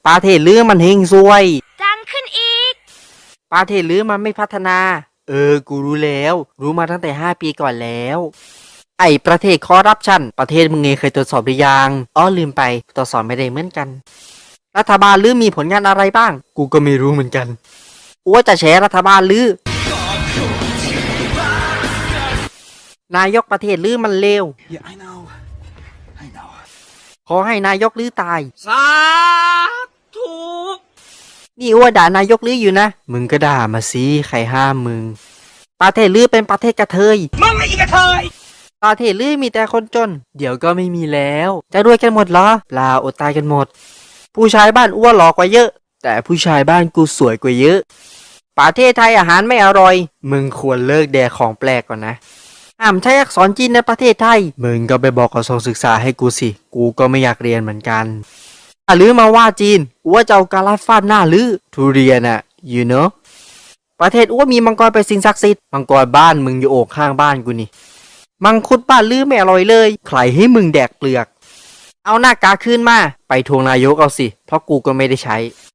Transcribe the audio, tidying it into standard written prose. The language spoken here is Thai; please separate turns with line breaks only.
ประเทศลือมันเฮงซวย
ดังขึ้นอีก
ประเทศลือมันไม่พัฒนากูรู้แล้วรู้มาตั้งแต่5 ปีก่อนแล้วไอ้ประเทศคอร์รัปชันประเทศมึงเองเคยตรวจสอบหรือยังลืมไปตรวจสอบไม่ได้เหมือนกันรัฐบาลลือมีผลงานอะไรบ้างกูก็ไม่รู้เหมือนกันว่าจะแฉรัฐบาลลือนายกประเทศลือมันเลว
Yeah, I know.
ขอให้นายกลือตาย
สาธุ
นี่อ้วด่านายกลืออยู่นะมึงก็ด่ามาสิใครห้ามมึงประเทศลือเป็นประเทศกระเทย
มึงไอ้กระเทย
ประเทศลือมีแต่คนจนเดี๋ยวก็ไม่มีแล้วจะรวยกันหมดเหรอเปล่าอดตายกันหมดผู้ชายบ้านอ้วนหล่อกว่าเยอะแต่ผู้ชายบ้านกูสวยกว่าเยอะประเทศไทยอาหารไม่อร่อยมึงควรเลิกแดกของแปลกก่อนนะห้ามใช้อักษรจีนในประเทศไทยมึงก็ไปบอกกระทรวงศึกษาให้กูสิกูก็ไม่อยากเรียนเหมือนกันลือมาว่าจีนอ้วจะเอากาลาฟาดหน้าลือทุเรียนอะ you know ประเทศอ้วมีมังกรเป็นสิ่งศักดิ์สิทธิ์มังกรบ้านมึงอยู่โอกข้างบ้านกูนี่มังคุดบ้านลือไม่อร่อยเลยใครให้มึงแดกเปลือกเอาหน้ากากคืนมาไปทวงนายกเอาสิเพราะกูก็ไม่ได้ใช้